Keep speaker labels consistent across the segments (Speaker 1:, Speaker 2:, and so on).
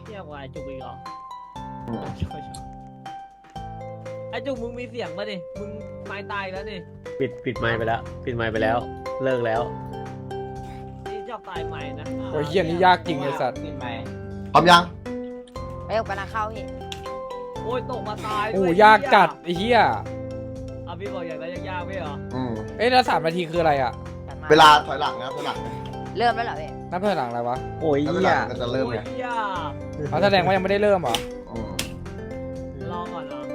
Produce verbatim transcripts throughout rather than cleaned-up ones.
Speaker 1: เที่ยวกว่าไอ้จุกอีกเหรอไอ้จุกมึงมีเสียงป่ะนี่มึงไม้ตายแล้วนี่
Speaker 2: ปิดปิดไมค์ไปแล้วปิดไมค์ไปแล้วเลิกแล้ว
Speaker 1: นี่ชอบตายไม้นะ
Speaker 3: โอ้ยเฮียนี่ยากจริงไอ้สัตว์
Speaker 4: พร้อมยัง
Speaker 5: ไปออกไปนาเข้าพี่
Speaker 1: โอ้ยตกมาตาย
Speaker 3: โอ้ยากจัดไอ้เฮีย
Speaker 1: อ่ะพี่บอกอย่างไรยากๆไม่เหรอ
Speaker 4: อืม
Speaker 3: เอ้ยแล้วสามนาทีคืออะไรอ่ะ
Speaker 5: จัดม
Speaker 4: เวลาถอยหลังนะถอยหลังนะ
Speaker 5: เริ่มแล้วเหรอพี่
Speaker 3: นับถอยหลังอะไรวะ
Speaker 2: โอ้ย
Speaker 4: แล้วเว
Speaker 2: เหี้
Speaker 4: ลาย มันก็จะเริ่มไง
Speaker 1: โอ้ยยาก
Speaker 3: เขาแสดงว่ายังไม่ได้เริ่มเหรอ
Speaker 4: อืม
Speaker 1: รอก่อนเหรอ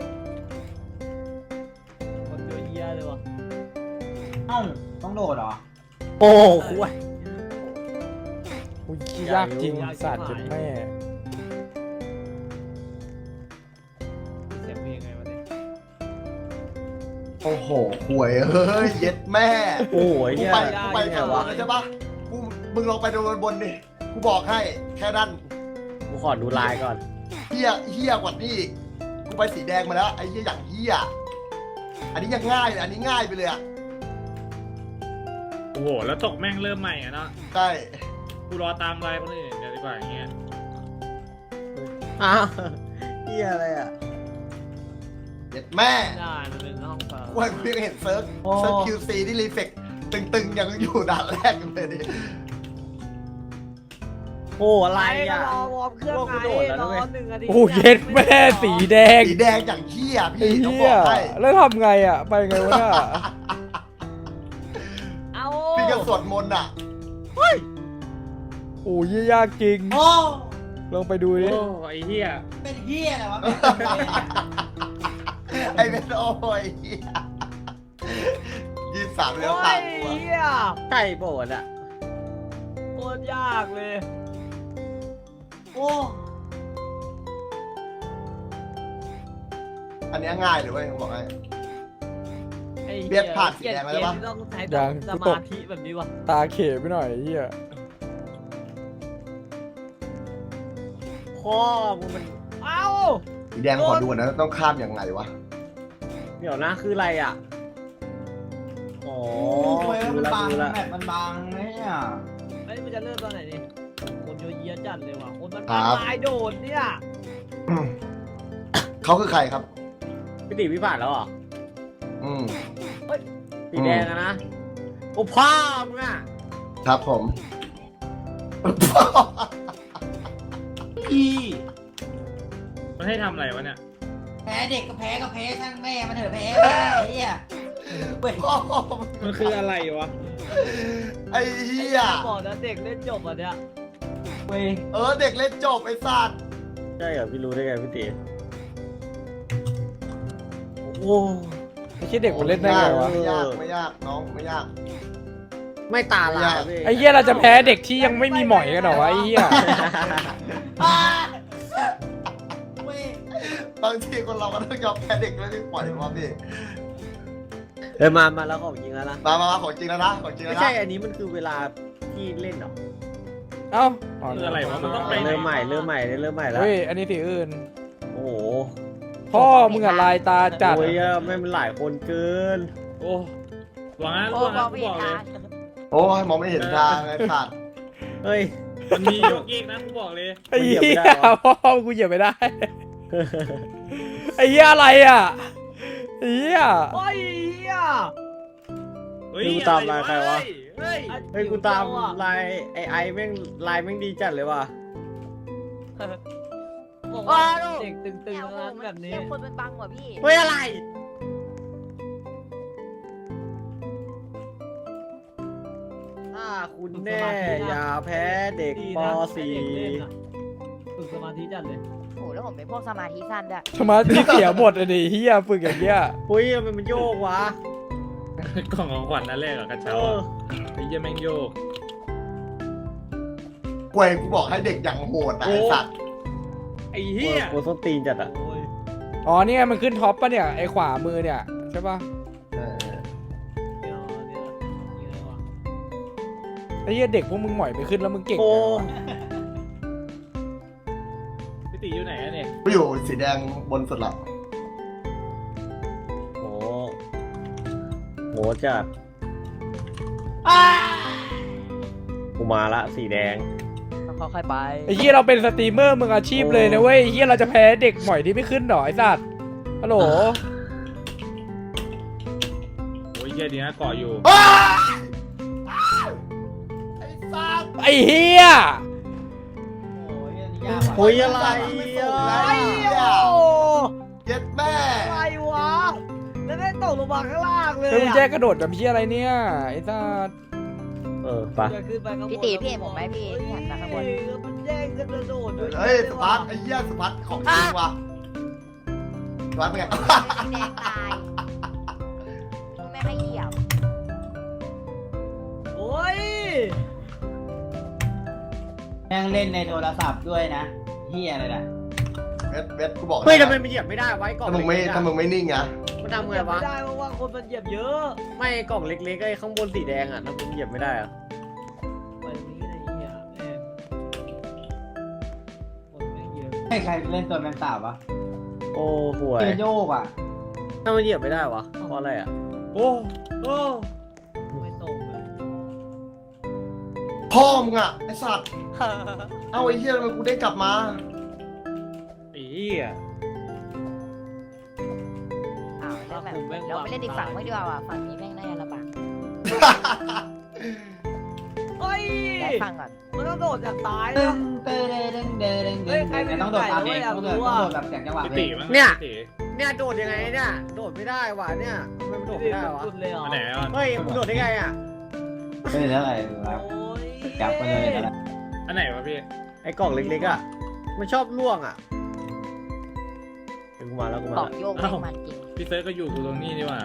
Speaker 1: คนเยอะแยะเลยวะ
Speaker 6: เอ้าต้องโดดเหรอ
Speaker 2: โอ้คุย
Speaker 3: โอ้ยยากจริงสัตว์จุดแม่
Speaker 1: เสียงเพลงไงวะเนี่ย
Speaker 4: โอ้โหห่วยเฮ้ยเย็ดแม่
Speaker 2: โอ้ย
Speaker 4: กู
Speaker 2: เหี้ย
Speaker 4: ไปกูไปทางบนเลยใช่ปะกูมึงลงไปดูบนบนดิกูบอกให้แค่นั้น
Speaker 2: กูขอดูลายก่อน
Speaker 4: เฮี้ยเฮี้ยกว่านี้อีกกูไปสีแดงมาแล้วไอ้เฮี้ยอย่างเฮี้ยอันนี้ยังง่ายเลยอันนี้ง่ายไปเลยอะ
Speaker 7: โอ้โห แล้วตกแม่งเริ่มใหม่อะเนาะ
Speaker 4: ใช่
Speaker 7: กูรอตามไลน์คนอื่นเดี๋ยวดีกว่าอย่างเงี้ย
Speaker 2: อ้าวเหี้ยอะไรอ่ะ
Speaker 4: เย็ดแม่
Speaker 1: ได้มันเป็นห้องเปิด
Speaker 4: กูให้กูยังเห็นเซิร์ฟเซิร์ฟคิวซีที่รีเฟกตึงๆยังอยู่ด่านแรกอยู่เลยดิ
Speaker 2: โอ้อะไร
Speaker 1: ไปก็
Speaker 2: อ่ะ
Speaker 1: รอวอร์มเครื่อง
Speaker 2: พวก
Speaker 1: ไง
Speaker 2: กูโดดแล้ว
Speaker 1: ร
Speaker 2: นะ
Speaker 1: อ
Speaker 2: เว้ย
Speaker 1: หนึ่งนาที
Speaker 3: โอ้เย็ดแม่สีแดง
Speaker 4: สีแดงอย่างเฮี้ย
Speaker 3: ไอ้
Speaker 4: พี่ต้องบ
Speaker 3: เฮี
Speaker 4: อย กให้
Speaker 3: แล้วทำไงอ่ะไปไงวะเนี่ย
Speaker 1: เอา
Speaker 4: พี่ก็สวดมนต์อ่ะ
Speaker 3: โอ้ยยากจริง
Speaker 6: โอ้
Speaker 3: ลองไปดูดิ
Speaker 7: โอ้ไอ้เหี้ย
Speaker 6: เป็นเฮียอะไรวะ
Speaker 4: ไอ้เป็นโอ้ยเหี้ยยี่สิบสามเลี้ยว
Speaker 1: โอ้
Speaker 4: ตาย มกูอะ
Speaker 1: เหี้ย
Speaker 2: ไก่โบดอ่ะ
Speaker 1: โคตรยากเลย
Speaker 6: โอ้
Speaker 4: อันเนี้ยง่ายเลยเว้ยผมบอกให้
Speaker 1: ไอ้
Speaker 4: เบียดผ่านสีแดงแล้วใช่ปะ
Speaker 1: เกมที่ต้องใช้
Speaker 3: ยัง
Speaker 1: ส
Speaker 3: กูต
Speaker 1: มาก ธิแบบนี้วะ
Speaker 3: ตาเขไปหน่อยไอ้เฮีย
Speaker 2: พ่อมึงมัน
Speaker 1: เอ้า
Speaker 4: สีแดงขอดูก่อนนะต้องข้ามยังไงวะ
Speaker 2: เดี๋ยวนะคืออะไรอ่ะอ๋อ
Speaker 6: โอ้ย
Speaker 2: ดู
Speaker 6: มัน
Speaker 2: ละ
Speaker 6: บาง
Speaker 2: ดูละ
Speaker 6: แมปมันบางเนี่ย
Speaker 1: ไอ้ยมันจะเริ่มตอนไหนนี่คนเยอะแยะจัดเลยว่ะคนมัน
Speaker 4: ครับ
Speaker 1: ตายโดดเนี่ย
Speaker 4: อืมเขาคือใครครับ
Speaker 2: พี่ติพี่ผ่านแล้วเหรอ
Speaker 4: อืม
Speaker 2: สีแดงอะนะโอ้พ่อมึงอ่ะ
Speaker 4: ครับผม
Speaker 6: พี่
Speaker 7: มันให้ทำอะไรวะเนี่ย
Speaker 6: แพ้เด็กก็แพ้ก็แพ้ช่างแม่มันเถอะแพ้ไอ้เฮียเว้ย
Speaker 7: มันคืออะไรวะ
Speaker 4: ไอ้เหี้ย
Speaker 1: บอกนะเด็กเล่นจบอ่ะเนี่ย
Speaker 6: เว้ย
Speaker 4: เออเด็กเล่นจบไอ้สัตว์
Speaker 2: ใช่เหรอพี่รู้ได้ไงพี่ติโอ้
Speaker 3: ไอ้เชี่ยเด็กมันเล่นได้ไงวะ
Speaker 4: ไม่ยากไม่ยากน้องไม่ยาก
Speaker 2: ไม่ตาลายอะพี่
Speaker 3: ไอ้เฮียเราจะแพ้เด็กที่ยังไม่มีหมอยกันเหรอวะไอ้เฮีย
Speaker 6: อ้าเว้ย
Speaker 4: บางทีคนเราก็ต้องยอมแพ้เด็กไม่ได้ปล่อยวะพี่
Speaker 2: เออมามาแล้วของจริงแล้วนะ
Speaker 4: มามามาของจริงแล้วนะของจริงแล้
Speaker 2: ไม่
Speaker 4: วนะ
Speaker 2: ใช่อันนี้มันคือเวลาที่เล่นเหรอ
Speaker 3: เอ้า
Speaker 7: คืออะไรวะมันต้องไป
Speaker 2: เริ่มใหม่เริ่มใหม่เริ่มใหม่แล้ว
Speaker 3: เฮ้ยอันนี้สีอื่น
Speaker 2: โอ้โห
Speaker 3: พ่อมึงอะลายตาจัด
Speaker 2: โอ้ยอะไม่มันหลายคนเกิน
Speaker 7: โอ้หวังนะ
Speaker 5: โอ้
Speaker 7: หวัง
Speaker 5: บ
Speaker 7: นะ
Speaker 5: อก
Speaker 7: กู
Speaker 5: ไม่
Speaker 7: บอกเล
Speaker 5: ทั
Speaker 7: ย
Speaker 5: น
Speaker 4: โอ้ยมองไม่เห็นทางไอ้สัตว์
Speaker 2: เฮ้ย
Speaker 7: มันมีโยกเยกนะกูบอกเลย
Speaker 3: ไอ้
Speaker 2: กูเหยี
Speaker 3: เหี้
Speaker 2: ยบไม่ได้
Speaker 3: ยว
Speaker 2: ะ
Speaker 3: พ่อกูเหยียบไม่ได้ ไอ้เหี้ยอะไรอ่ะไอ้เหี้ย
Speaker 1: โอ้ยเหี้ย
Speaker 7: เฮ้ย
Speaker 2: กูตามลายใครวะ
Speaker 7: เฮ้ย
Speaker 2: เฮ้ยกูตามลายไอไอแม่งลายแม่งดีจัดเลยว่ะ
Speaker 1: บอกว่าเด็กตึง
Speaker 5: เนี่ย
Speaker 1: ๆ
Speaker 5: โอ้โห
Speaker 1: นั้น
Speaker 5: มัน
Speaker 1: แบบนี้
Speaker 5: เที่ยวคนมันบังกว่าพี่
Speaker 2: เฮ้ยอะไรถ้าคุณแน่อย่าแพ้เด็ก
Speaker 1: ดี
Speaker 2: ป
Speaker 1: นะ
Speaker 2: สี่
Speaker 1: ให้เด็กเล่นอะฝึกสมาธิจัดเลย
Speaker 5: โอ้โหแล้วผมเป็นพวกสมาธิสั้นด้วย
Speaker 3: สมาธิเสียหมดอะดิเหี้ยฝึกอย่างเงี้ย
Speaker 2: เฮ้ยทำไมมันโยกวะ
Speaker 7: กล่องของขวัญนั่นแรกอะกระ
Speaker 2: เอ
Speaker 7: เช้า
Speaker 2: อ
Speaker 7: อะไอ้เหี้ยแม่งโยก
Speaker 4: กวยกูบอกให้เด็กอย่างโหดนะไอ้สัตว์
Speaker 7: ไอ้เหี้ย
Speaker 2: โอ้ส้นตีนจัดอ่ะ
Speaker 1: โอ้ย
Speaker 3: อ๋อนี่ไงมันขึ้นท็อปปะเนี่ยไอ้ขวามือเนี่ยใช่ปะ
Speaker 4: เออ
Speaker 1: เดี๋ยวเดี๋ยวนี่อะไรวะ
Speaker 3: ไอ้เหี้ยเด็กพวกมึงหมอยไปขึ้นแล้วมึงเก่ง
Speaker 2: โอ้
Speaker 3: ไงวะ
Speaker 7: พี่ติอยู่ไหนอะเนี่ย
Speaker 4: กูอยู่สีแดงบนสุดละ
Speaker 2: โหโหจัด
Speaker 6: อ้า
Speaker 2: กูมาละสีแดง
Speaker 5: คค่อยๆไป
Speaker 3: ไอ้เหี้ยเราเป็นสตรีมเมอร์มึงอาชีพเลยนะเว้ยไอ้เหี้ยเราจะแพ้เด็กหมอยที่ไม่ขึ้นหรอไอ้สัตว์ฮัลโหล
Speaker 7: โอ้ยเหี้ยดีนะเกาะอยู่
Speaker 4: อ้าวไอ้สัตว์
Speaker 3: ไอ้เหี้ย
Speaker 6: โอ้ยอันนี้ยากว่ะ
Speaker 2: คุยอะไร
Speaker 4: ไม่
Speaker 2: อ่
Speaker 4: ส่งแล้ว
Speaker 2: ะ
Speaker 4: ไอ้เหี้ย
Speaker 1: โอ้
Speaker 4: เย็ดแม่
Speaker 1: อะไรวะแล้วได้ตกลงมาข้างล่างเลย
Speaker 3: แล้วมึง
Speaker 1: อะ
Speaker 3: แจ้กระโดดแบบเหี้ยอะไรเนี่ยไอ้สัตว์
Speaker 2: เออปะ
Speaker 1: จะขึ้นไปข้างบน
Speaker 5: พี่ตีพี่เห็นผมไหมพี่ที่หันมาข้างบน
Speaker 1: เฮ้ยแล้วมันแย่งกันกระโดดด้วย
Speaker 4: เฮ้ยสุพัฒน์ไอ้เหี้ยสุพัฒน์ของจริงว่ะสุพัฒน์เป็นไง
Speaker 5: แดงตายไม่ให้เหยียบ
Speaker 1: โอ้ย
Speaker 6: แม่งเล่นในโทรศัพท์ด้วยนะเฮียอะไรนะ
Speaker 4: เวทเวทกูบอก
Speaker 2: เฮ้ย
Speaker 4: นะ
Speaker 2: ทำไมมันเหยียบไม่ได้ไว้กล่อง
Speaker 4: ถ้ามึงไม่
Speaker 2: เล็กๆอะ
Speaker 4: ถ้ามึงไม่นิ่งอะ
Speaker 2: มันทำไง
Speaker 1: เหยียบ
Speaker 2: วะ
Speaker 1: ไม่ได้เพราะว่าคนมันเหยียบเยอะ
Speaker 2: ไม่กล่องเล็กๆไอ้ข้างบนสีแดงอ่ะทำไมมันเหยียบไม่ได้อ่ะ
Speaker 1: ไปตรงนี้ไอ้เหี้ยแม่งคนไม่งเยอะ
Speaker 6: ให้ใครเล่นตัวแมนสาบวะ
Speaker 2: โอ้ห่วย
Speaker 6: เกโยกอ่ะ
Speaker 2: ทำไมมันเหยียบไม่ได้วะเพราะอะไรอ่ะ
Speaker 7: โอ้โอ้
Speaker 1: ไม่ตรงเลย
Speaker 4: พ่อมึงอะไอ้สัตว์เอาไอ้เหี้ยทำไมกูได้กลับมา
Speaker 7: ไอ้เหี้ย
Speaker 5: อ้าวแล้วแบบเราไปเล่นอีกฝั่งไม่ดีกว่าว่ะฝั่งนี้แม่งน่าจะลำบาก
Speaker 1: เฮ้ย
Speaker 5: ย้ายฝั่งก่อน
Speaker 1: มันต้องโดดจากซ้าย
Speaker 6: ตึ้
Speaker 1: นะ
Speaker 6: งเต้เด้งเด้งเด้ง
Speaker 1: เฮ้ยใครเป็น
Speaker 6: ต้องโดดตามเอง
Speaker 1: ผู้ใหญ่
Speaker 6: ต้องโด
Speaker 1: ด้วย
Speaker 6: ด
Speaker 1: อยากรู้
Speaker 6: ต้อง
Speaker 1: อะ
Speaker 6: โดดแบบเสียงจังหวะ
Speaker 7: พี่
Speaker 6: เล
Speaker 7: ตี
Speaker 6: ย
Speaker 7: มั้ง
Speaker 2: เนี่ย
Speaker 7: พี่ตี
Speaker 2: เนี่ยโดดยังไงเนี่ยโดดไม่ได้วะเนี่ยทำไมมันโดดไม่ได้วะ
Speaker 1: สุดเลยเหรอ
Speaker 7: อันไหนอ่ะ
Speaker 2: เฮ้ยมึงโดดได้ไงอ่ะ
Speaker 6: ไม่ได้อะไรวะ
Speaker 1: โอ้ย
Speaker 6: จับไปเลยนะ
Speaker 7: อันไหนวะพี่
Speaker 2: ไอ้กล่องเล็กๆอ่ะมันชอบล่วงอ่ะเดี๋ยวกูมาแล้วกูมา
Speaker 5: บอก
Speaker 2: แล้ว
Speaker 5: โยกแม่งมันจริง
Speaker 7: พี่เซิร์ชก็อยู่กูตรงนี้นี่หว่า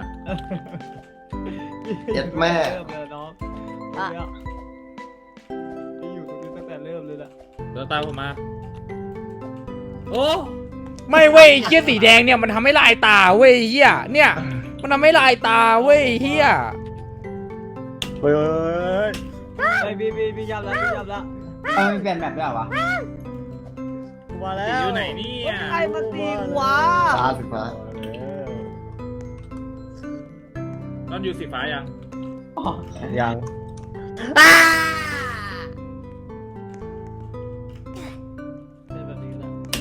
Speaker 4: เย็ดแม่
Speaker 1: เริ่มเลยน้อง
Speaker 5: อ่ะ
Speaker 1: เนี่ยพี่อยู่ตรงนี้ตั้งแต่เริ่มเลยล่ะ
Speaker 7: เดินตามผมมา โอ้
Speaker 3: ไม่เว้ยไอ้เหี้ยสีแดงเนี่ยมันทำให้ลายตาเว้ยไอ้เหี้ยเนี่ยมันทำให้ลายตาเว้ยไอ้เหี้ย
Speaker 2: เฮ้ย
Speaker 1: ไอ้พี่พี่พี่ยับแล้วพี่ยับแล้ว
Speaker 6: เอาไม่เปลี่ยนแบบด้วยเหรอวะ
Speaker 2: กูมาแล้
Speaker 7: ตี
Speaker 2: ว
Speaker 7: อยู่ไหนเนี่ย
Speaker 1: ใครมาตีกูวะ
Speaker 4: ตาสิฟ้า
Speaker 7: ตอนอยู่สีฟ้ายัง
Speaker 2: ยัง
Speaker 1: เป็นแบบนี้แหละ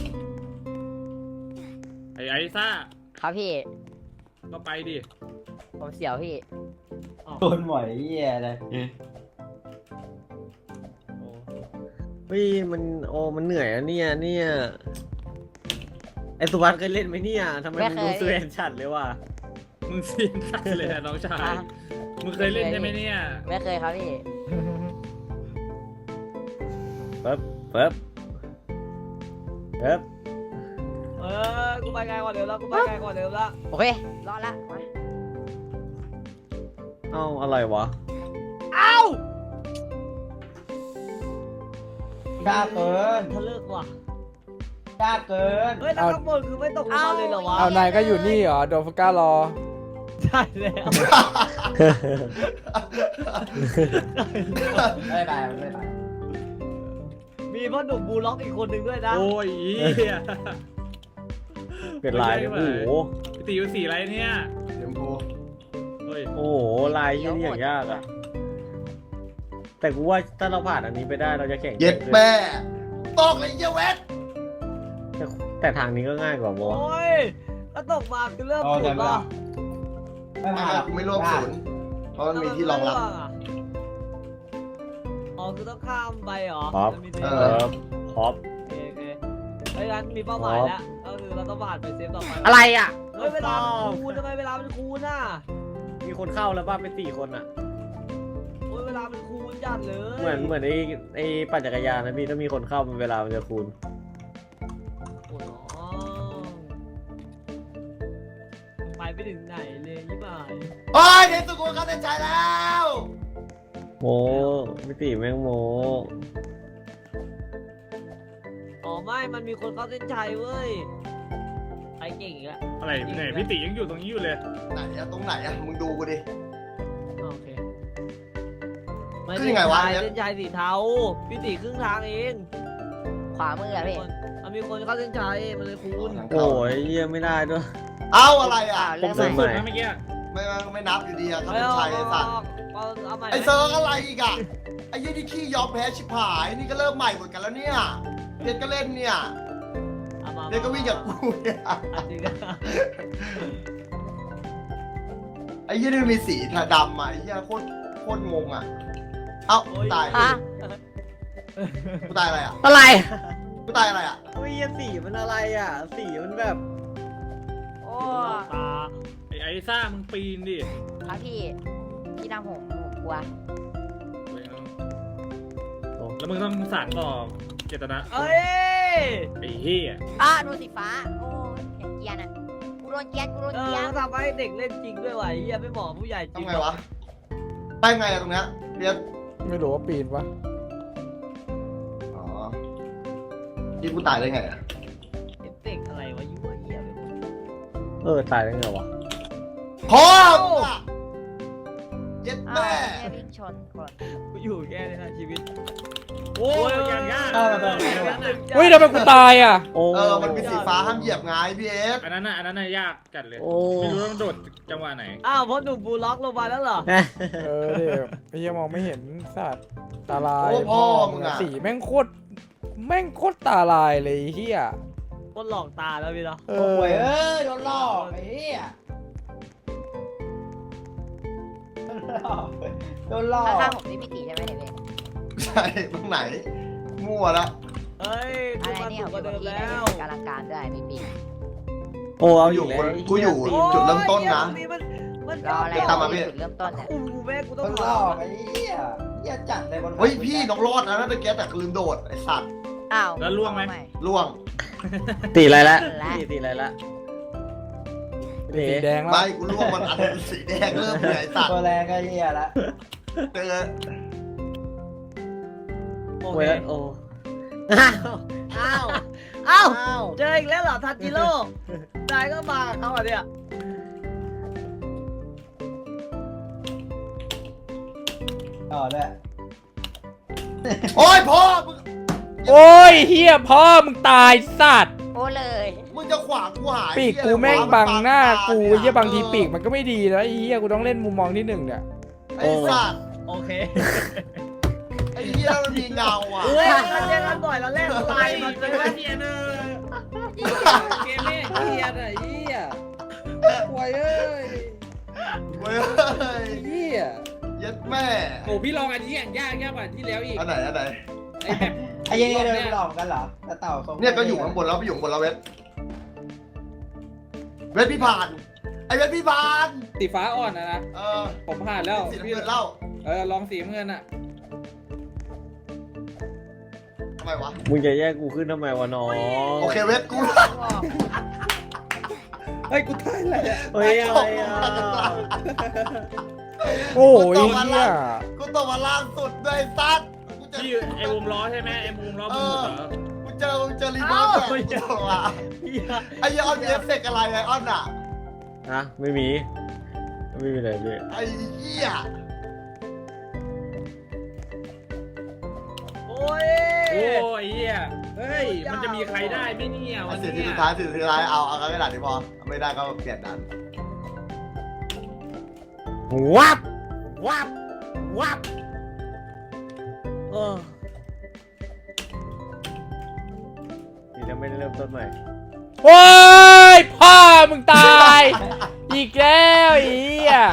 Speaker 7: ไอ้ไอ้ซ่า
Speaker 5: ครับพี่
Speaker 7: ก็ไปดิ
Speaker 5: ผมเสียวพี่
Speaker 6: โดนหมอยเฮียเลย
Speaker 2: เฮ้ยมันโอ้มันเหนื่อยอะเนี่ยเนี่ยไอ้สุวัสด์เคยเล่นไหมเนี่ยทำไมมันดูสเวนชัดเลยว่ะ
Speaker 7: มึงเซียนชัดเลยอะน้องชาย มึงเคยเล่นใช่ไหมเนี่ย
Speaker 5: ไม่เคยครับพี่
Speaker 2: เฟิบเฟิบเฟิบ
Speaker 1: เออกูไปไกลกว่าเดิมแล้วกูไปไกลกว่าเดิมแล้ว
Speaker 5: โอเครอดละมา
Speaker 2: เอ้าอะไรวะ
Speaker 1: เอ้าก
Speaker 6: ล้าเกิน
Speaker 1: ทะลึกว่ะ
Speaker 6: กล้าเกิน
Speaker 1: เฮ้ยแล้วข้างบนคือไม่ตกลงมาเลยเหรอวะ
Speaker 3: เอานายก็อยู่นี่เหรอโดนฟก้ารอ
Speaker 1: ใช่แล้ว
Speaker 6: ไม่ไปไม่ไป
Speaker 1: มีพ่อหนุ่มบูลล็อกอีกคนหนึ่งด้วยนะ
Speaker 7: โอ้ยเหี้ย
Speaker 2: เป็นลายโอ้โห
Speaker 7: พี่ตีอยู่สีอะไรเนี่ย
Speaker 4: เดี๋ยวกู
Speaker 7: เฮ้ย
Speaker 2: โอ้โหลายที่นี่อย่างยากอะแต่กูว่าถ้าเราผ่านอันนี้ไปได้เราจะแข่ง
Speaker 4: เย็ดแม่ตอกเลยเหี้ยเวท
Speaker 2: แต่แต่ทางนี้ก็ง่ายกว่าบอ
Speaker 1: โอ้ยถ้าตกมาคือเริ่ม
Speaker 6: อ๋อ
Speaker 1: สุ
Speaker 6: แต่
Speaker 1: ด
Speaker 6: ไม่
Speaker 1: ว่ะ
Speaker 6: ไม่
Speaker 4: ไม่
Speaker 6: มาหรอก
Speaker 4: กูไม่ร่วมศูนย์เพราะมันมีที่รองรับ
Speaker 1: อ๋อคือต้องข้ามไปเหรอ
Speaker 2: ครับ
Speaker 1: จะมี
Speaker 4: เอ
Speaker 2: เอ
Speaker 4: อ
Speaker 2: อฮอป
Speaker 1: โอเคโอเคเฮ้ยงั้นมีเป้าหมายแล้วก็คือเราต้องผ่านไปเซฟต่อไป
Speaker 2: อะไรอ่ะ
Speaker 1: เฮ้ยเวลามันคูณทำไมเวลามันคูณน่ะ
Speaker 2: มีคนเข้าแล้วป่ะเป็นสี่คนอ่ะ
Speaker 1: โอ้ยเวลามันคูณจัดเลย
Speaker 2: เหมือนเหมือนไอ้ไอ้ปั่นจักรยานนะพี่ถ้ามีคนเข้ามันเวลามันจะคูณ
Speaker 1: โอ้โหไปไม่ถึงไหนเลยยี่บ่าย
Speaker 4: โอ้ยเดี๋ยวสุกูเข้าเส้นชัยแล้ว
Speaker 2: โมไม่ตีแม่งโม
Speaker 1: อ๋อไม่มันมีคนเข้าเส้นชัยเว้ยไปเก่งอีกแล้ว
Speaker 7: อะไรไหนพี่ตียังอยู่ตรงนี้อยู่เลย
Speaker 4: ไหนอะตรงไหนอะมึงดูกูดิ
Speaker 1: โอเค
Speaker 4: คือยังไงวะ
Speaker 1: เส้นชัยสีเทาพี่ตีครึ่งทางเอง
Speaker 5: ขวามืออะพี่
Speaker 1: มันมีคนเข้าเส้นชัยมันเลยคูณ
Speaker 2: โอ้ยเยี่ยไม่ได้ด้วย
Speaker 4: เอาอะไรอะ
Speaker 5: เริ่ม
Speaker 2: ผม
Speaker 5: ใหม่
Speaker 2: ใหม่
Speaker 7: สุดนะเมื่อกี้
Speaker 4: ไม่ไม่ไม่นับอยู่ดีอะเข้า
Speaker 1: ไม่
Speaker 4: เส้น
Speaker 1: เอา
Speaker 4: ชัยไอ้สัตว์
Speaker 1: เอาเอาใหม่
Speaker 4: ไอ้เซิร์กอะไรอีกอะไอ้อ้ยี่นี่ขี้ยอมแพ้ชิบหายนี่ก็เริ่มใหม่หมดกันแล้วเนี่ยเพชรก็เล่นเนี่ย
Speaker 1: เอามา
Speaker 4: เพชรก็วิ่งกับกูเนี่ย
Speaker 1: จริงอะ
Speaker 4: ไอ้ยี่นี่มันมีสีดำอ่ะไอ้ยี่โคตรโคตรงงอ่ะเอ้ากูตาย
Speaker 5: ฮะ
Speaker 4: กูตายอะไรอ่ะ
Speaker 2: อะไร
Speaker 4: กูตายอะไรอ่ะ
Speaker 2: เฮ้ยสีมันอะไรอ่ะ สีมันแบบ
Speaker 5: โอ้
Speaker 1: ตา
Speaker 7: ไอ้ไอ้ซ่ามึงปีนดิ
Speaker 5: ครับพี่พี่นำผมผมกลัว
Speaker 7: แล้วมึงต้องสานต่อเจตนา
Speaker 1: เอ้ย
Speaker 7: ไอ้เหี้ย
Speaker 5: อ่ะโดนสีฟ้าโอ้เห็นเกียร์น่ะกูโดนเกียร์กูโดน
Speaker 1: เอ
Speaker 5: เกีย
Speaker 1: อ
Speaker 5: ร์
Speaker 1: ทำให้เด็กเล่นจริงด้วยว่ะไอ้เหี้ยไม่เหมาะผู้ใหญ่จริ
Speaker 4: ทำ
Speaker 1: ง
Speaker 4: ไงวะไปไงอะตรงเนี้ยเรียน
Speaker 3: ไม่รู้ว่าปีนปะ
Speaker 4: อ๋อที่กูตายได้ไงอะ
Speaker 1: เอฟเฟกต์อะไรวะยุ่งเหี้ยไปหมด
Speaker 2: เออตายได้ไงวะ
Speaker 4: พ่อมึงอะเย็ด
Speaker 5: อ้าว
Speaker 4: แม่
Speaker 5: เนี่ยวิ่งชนคน
Speaker 1: กูอยู่แค่นี้นะชีวิต
Speaker 7: โอ้ยอย่างยาก
Speaker 3: เฮ้ยทำไมกูตายอ่ะ
Speaker 2: โอ้
Speaker 4: เออมันมีสีฟ้าห้ามเหยียบไงพี่เอฟ
Speaker 7: อันนั้นน่ะอันนั้นน่ะยากจัดเลย
Speaker 2: โอ้
Speaker 7: ไม่รู้ต้องโดดจังหวะไหน
Speaker 1: อ้าวเพราะหนุ่มบูล็อกลงมาแล้วเหรอ
Speaker 3: เออเดี๋ยวไอ้เหี้ยมองไม่เห็นสัตว์ตาลาย
Speaker 4: โอ้พ่อมึงอะ
Speaker 3: สีแม่งโคตรแม่งโคตรตาลายเลยไอ้เฮีย
Speaker 1: คนหลอกตาแล้วพี่เนาะ
Speaker 3: เอ
Speaker 6: โอ้
Speaker 3: อย
Speaker 6: เอ้ยโดนหลอกไอ้เหี้ยโดนหลอก
Speaker 5: ข้างๆผมนี่พี่ตีใช่ไหมเนี่ยพี่
Speaker 4: ใช่ตรงไหน มั่วละ
Speaker 1: เฮ้ย
Speaker 5: อะ
Speaker 1: กู
Speaker 5: ไร
Speaker 1: มา
Speaker 5: เนี่
Speaker 1: ถู
Speaker 5: ย
Speaker 1: กกว่าเดิม
Speaker 5: พี่
Speaker 1: แล้ว
Speaker 5: กำลังการด้วยพี่ปี
Speaker 2: โอ้เอา
Speaker 4: กู
Speaker 2: อ
Speaker 4: อยู่ ยู่
Speaker 2: แล้ว
Speaker 4: กูอยู่จุดเริ่มต้นนะ
Speaker 1: โอ้ยเหี้ยมันมัน
Speaker 5: รออะไร
Speaker 4: ตามมาพี่
Speaker 5: จุดเริ่มต้นเนี่ย
Speaker 1: กูแม่กู
Speaker 6: โด
Speaker 1: ต้อง
Speaker 6: น
Speaker 1: ห
Speaker 6: ห
Speaker 1: ล
Speaker 6: ล
Speaker 1: อ
Speaker 6: อก กไอ้เหี้ยเหี้ยจัดเลยบน
Speaker 4: เฮ้ยพี่น้องรอดนะนั่นตะเกียบแต่ลืมโดดไอ้สัตว์
Speaker 5: อ้าว
Speaker 7: แล้วล่วงไหม
Speaker 4: ล่วง
Speaker 2: ตีอะไรละ
Speaker 5: และ
Speaker 2: ตีตีอะไรละ
Speaker 3: เป็นสีแดงแล้ว
Speaker 4: ไม่กูล่วงมันอันสีแดงเริ่มเลยไอ้สัตว์
Speaker 6: ตัวแรงก็เหี้ยละ
Speaker 4: เจอ
Speaker 1: โอ
Speaker 2: โอ้
Speaker 1: เค
Speaker 2: ยโอ้
Speaker 1: อ้าวอ้าว
Speaker 2: อ้าว
Speaker 1: เจออีกแล้วเหรอทันจิโร่นายก็มากับเขาอ่ะเนี่ย
Speaker 6: ต่อด้วย
Speaker 4: โอ้ยพ่อมึง
Speaker 3: โอ้ยเฮียพ่อมึงตายสัตว์
Speaker 5: โอ้เลย
Speaker 4: มึงจะขวางกูหาย
Speaker 3: ปีกกูแม่งบังหน้ากูไอ้เฮียบางทีปีกมันก็ไม่ดีนะไอ้เฮียกูต้องเล่นมุมมองที่หนึ่งเนี่ย
Speaker 4: ไอ้สัตว์
Speaker 1: โอเค
Speaker 4: ไอ้เหี้ยมันมีเงาอ่ะ
Speaker 1: เฮ้ยมันเจอกันบ่อยแล้วแรกไลน์มันเลยว่า
Speaker 7: เฮียเนอเกมนี้เฮียน่ะเฮียควายเอ้ย
Speaker 4: เว้ย
Speaker 7: เฮีย
Speaker 4: เย็ดแม่
Speaker 7: โอ้พี่ลองอันนี้อย่างยากยากกว่าที่แล้วอีก
Speaker 4: อันไหนอันไหน
Speaker 7: ไอ้แบบ
Speaker 6: ไอ้เหี้ยนี่เดินหลอกกันเหรอแต่เต่าทรง
Speaker 4: เนี่ยก็อยู่ข้างบนแล้วไปอยู่ข้างบนแล้วเวทเวทพี่ผ่านไอ้เวทพี่ผ่าน
Speaker 7: สีฟ้าอ่อนนะนะ
Speaker 4: เออ
Speaker 7: ผมผ่านแล้ว
Speaker 4: สีน้ำเงินเล่า
Speaker 7: เออลองสีน้ำเงินอ่ะ
Speaker 4: ทำไมวะ
Speaker 2: มึงจะแยกกูขึ้นทำไมวะน้อง
Speaker 4: โอเคเวทกู
Speaker 7: เฮ้ยกูตายแล้ว
Speaker 2: เฮ้ยอะไรอ่ะ
Speaker 3: โอ้ยเฮีย
Speaker 4: กูตกมาล่างสุดด้วยซัดกูเจอ
Speaker 7: ที่ไอ้วงล้อใช่ไหมไอ้วงล้อมึงหมดเหรอ
Speaker 4: กูเจอกูเจอรีเวิร์สเลยกูตกอ่ะ
Speaker 1: เหี้ย
Speaker 4: ไอ้เหี้ยออนมีเอฟเฟกต์อะไรไอ้ออนอ่ะ
Speaker 2: ฮะไม่มี ไม่มีอะไรเลย
Speaker 4: ไอ้เหี้ย
Speaker 1: โอ้ย
Speaker 7: โอ้ยเฮียเฮ้ยมันจะมีใครได้ไหมเนี่ย
Speaker 4: ไอ้
Speaker 7: วัน
Speaker 4: สิ่ง
Speaker 7: เนี้
Speaker 4: ที่
Speaker 7: ย
Speaker 4: สุดท้ายสิ่งที่สุดท้ายเอาเอากันไม่ได้ดีพอไม่ได้ก็เปลี่ยนดัน
Speaker 2: วับวับวับเออนี่จะไม่ได้เริ่มต้นใหม่
Speaker 3: โอ้ยพ่อมึงตายอีกแล้วไอ้เฮีย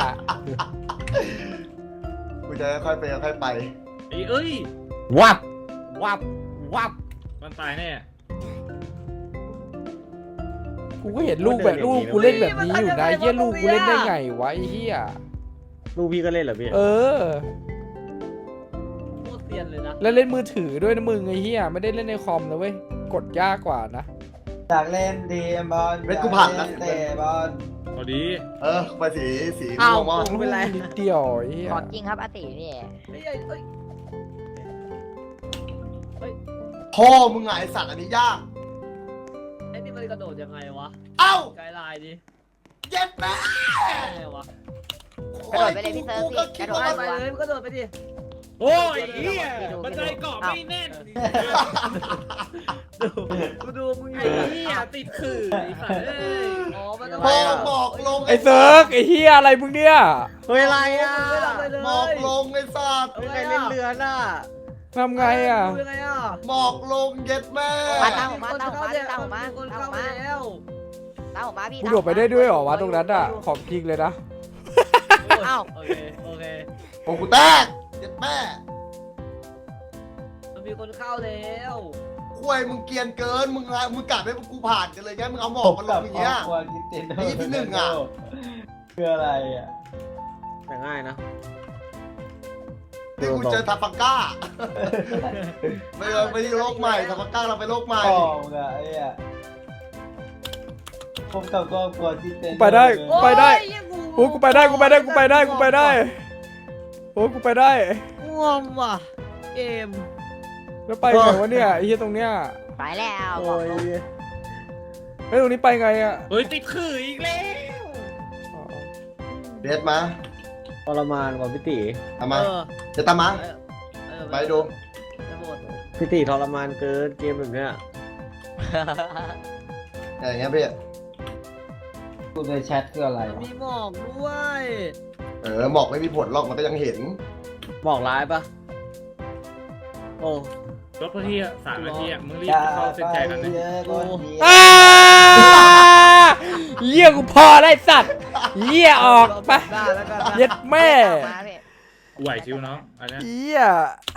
Speaker 4: กูจะค่อยไปค่อยไป
Speaker 7: ไอ้เอ้ย
Speaker 2: วับวับวับ
Speaker 7: มันตายแน่
Speaker 3: กูก็เห็นลูกแบบลูกกูเล่นแบบนี้อยู่นะไอ้เฮียลูกกูเล่นได้ไงวะไอ้เฮีย
Speaker 2: ลูกพี่ก็เล่นเหรอพี่
Speaker 3: เออ
Speaker 1: โคตรเซียนเลยนะ
Speaker 3: แล้วเล่นมือถือด้วยนะมึงไอ้เฮียไม่ได้เล่นในคอมนะเว้ยกดยากกว่านะ
Speaker 6: อยากเล่นดีบอล
Speaker 4: เวทกูผ่านแล้ว
Speaker 6: เตะบอล
Speaker 7: พอดี
Speaker 4: เออไปสีสี
Speaker 2: อ้าว
Speaker 4: ม่วงมั้ง
Speaker 2: ไม่เป็นไร
Speaker 3: นิดเดียวไอ้เฮีย
Speaker 5: ขอจริงครับอาติพี่
Speaker 1: เฮ้ยเฮ้ย
Speaker 4: พ่อมึงไงไอ้สัตว์อันนี้ยาก
Speaker 1: ไอ้นี่มันกระโดดยังไงวะ
Speaker 4: เอ้า
Speaker 1: ไกด์ไลน์ดิ
Speaker 4: เย็ดแม่
Speaker 1: ไงวะ
Speaker 5: กระโดดไปเลยพี่เซิร์ฟ
Speaker 4: กู
Speaker 5: พี่
Speaker 4: ก็คิ
Speaker 5: ก
Speaker 4: ด
Speaker 5: ระโดด
Speaker 4: ว่า
Speaker 5: ไป
Speaker 1: ไปเลยมันกระโดดไปดิ
Speaker 7: โอ้ยเฮียบันไดเกาะไม่แน่น
Speaker 1: ดูกูดูมึงอ
Speaker 7: ไอ้
Speaker 1: ยู่
Speaker 7: เหี้ยเนี่ยติดขื่อไอ้สัตว์เอ้ย
Speaker 1: อ๋อมันต้อง
Speaker 4: หมอกหมอกลง
Speaker 3: ไอ้เซิร์กไอ้เฮียอะไรมึงเนี่ย
Speaker 2: เฮ้ยอะไรอ่ะ
Speaker 1: ไม่ทำอะไรเลย
Speaker 4: หมอกลงไอ้สัตว์
Speaker 2: เฮ้ยใครเล่นเรือน่ะ
Speaker 3: ทำไงอ่ะ
Speaker 1: ดูยังไงอ่ะ
Speaker 4: หมอกลงเย็ดแม่
Speaker 5: มาตามผมมาตามผมมาตามผมมา
Speaker 1: คน
Speaker 5: ตามผ
Speaker 1: เข้าม ไป
Speaker 5: มา
Speaker 1: แล้ว
Speaker 5: ตามผมมาพี่
Speaker 3: กูโดดไปได้ด้วยเหรอวะตรงนั้นอ่ะของจริงเลยนะ
Speaker 5: อ้าว
Speaker 1: โอเคโอเค
Speaker 4: โอ้กูแตกเย็ดแม่
Speaker 1: มันมีคนเข้าแล้ว
Speaker 4: คุยมึงเกรียนเกินมึงอะมึงกะให้กูผ่านกันเลยไงมึงเอาหมอกมาลงอย่างเงี้ย ไอ้ที่หนึ่งอะ
Speaker 8: คืออะไรอ่ะ
Speaker 2: แต่ง่ายนะ
Speaker 4: นี่กูเจอทาฟังก้าไม่เอาไม่ได้โลกใหม่ทาฟังก้าเราไปโลกใหม่
Speaker 8: พ่อมึงอะไอ้อะพบกับครอบครัวที่เต็น
Speaker 3: ไปได้ ไปได้
Speaker 1: โอ้ยเหี้ย
Speaker 3: โอ้กูไปได้กูไปได้กูไปได้กูไปได้โอ้กูไปได้
Speaker 1: ง่วงว่ะเกม
Speaker 3: แล้วไปไงวะเนี่ยไอ้เฮียตรงเนี้ย
Speaker 5: ไปแล้ว
Speaker 2: โอ้ย
Speaker 3: ไอ้ยตรงนี้ไปไงอ่ะ
Speaker 7: เฮ้ยติดขื่ออีกแล้ว
Speaker 4: เดดมา
Speaker 2: ทรมานกว่าพี่ตี
Speaker 4: ทำมา
Speaker 1: เออ
Speaker 4: จะตามมา
Speaker 1: เออเออ
Speaker 4: ไปดู
Speaker 1: จะหมด
Speaker 2: พี่ตีทรมานเกินเกมแบบเนี้ย
Speaker 4: อย่างเงี้ยพี่
Speaker 8: กูในแชทคืออะไร
Speaker 1: มัน
Speaker 8: วะ
Speaker 1: มีหมอกด้วย
Speaker 4: เออหมอกไม่มีผลหรอกมันก็ยังเห็น
Speaker 2: บอกร้ายปะโอ้
Speaker 7: รถพอที่สามนาทีอ่ะมึงรีบ
Speaker 8: อย่า
Speaker 7: เข้าเส้น
Speaker 8: ไป
Speaker 7: ชัยกันนะ
Speaker 8: เยอะคนเดียว
Speaker 3: อ้าเหี้ยกูพอได้สัตว์เหี้ยออกไป
Speaker 1: ได้แล้วกันนะ
Speaker 3: เย็ดแม่
Speaker 5: มาพี่
Speaker 7: กูไหวชิวน้องอันเนี้ย
Speaker 3: เหี้ย